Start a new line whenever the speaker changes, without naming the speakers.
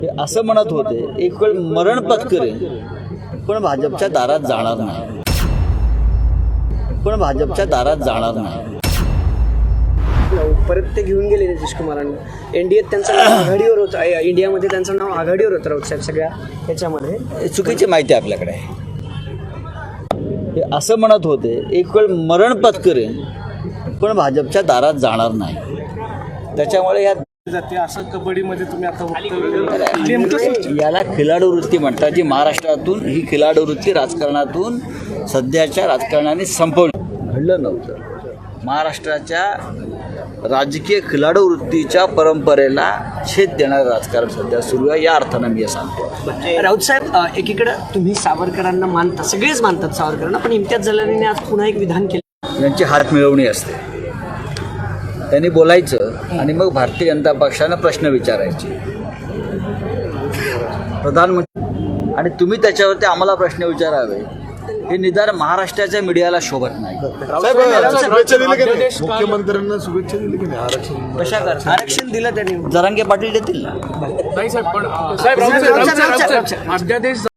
असं म्हणत होते एक वेळ मरण पत्करेन पण भाजपच्या दारात जाणार नाही, पण भाजपच्या दारात जाणार नाही.
परत ते घेऊन गेले नितीश कुमारांनी. एनडीएत त्यांचं नाव आघाडीवर होतं, इंडियामध्ये त्यांचं नाव आघाडीवर होतं राऊत साहेब सगळ्या ह्याच्यामध्ये.
हे चुकीची माहिती आपल्याकडे आहे. हे असं म्हणत होते एक वेळ मरण पत्करेन पण भाजपच्या दारात जाणार नाही. त्याच्यामुळे या
जाते असं कबड्डीमध्ये तुम्ही आता
याला खिलाडू वृत्ती म्हणतात, जी महाराष्ट्रातून ही खिलाडू वृत्ती राजकारणातून सध्याच्या राजकारणाने संपवली. घडलं नव्हतं. महाराष्ट्राच्या राजकीय खिलाडू वृत्तीच्या परंपरेला छेद देणारं राजकारण सध्या सुरू आहे. या अर्थानं मी हे सांगतो.
राऊत साहेब, एकीकडे तुम्ही सावरकरांना मानता, सगळेच मानतात सावरकरांना, पण इम्तियाज जलालीने आज पुन्हा एक विधान केलं.
यांची हात मिळवणी असते. त्यांनी बोलायचं आणि मग भारतीय जनता पक्षानं प्रश्न विचारायचे. प्रधानमंत्री आणि तुम्ही त्याच्यावरती आम्हाला प्रश्न विचारावे हे निदान महाराष्ट्राच्या मीडियाला शोभत नाही.
मुख्यमंत्र्यांना शुभेच्छा दिली की नाही आरक्षण?
कशा करता आरक्षण दिलं त्यांनी?
जरांगे पाटील देतील ना.
नाही साहेब, पण साहेब अध्यादेश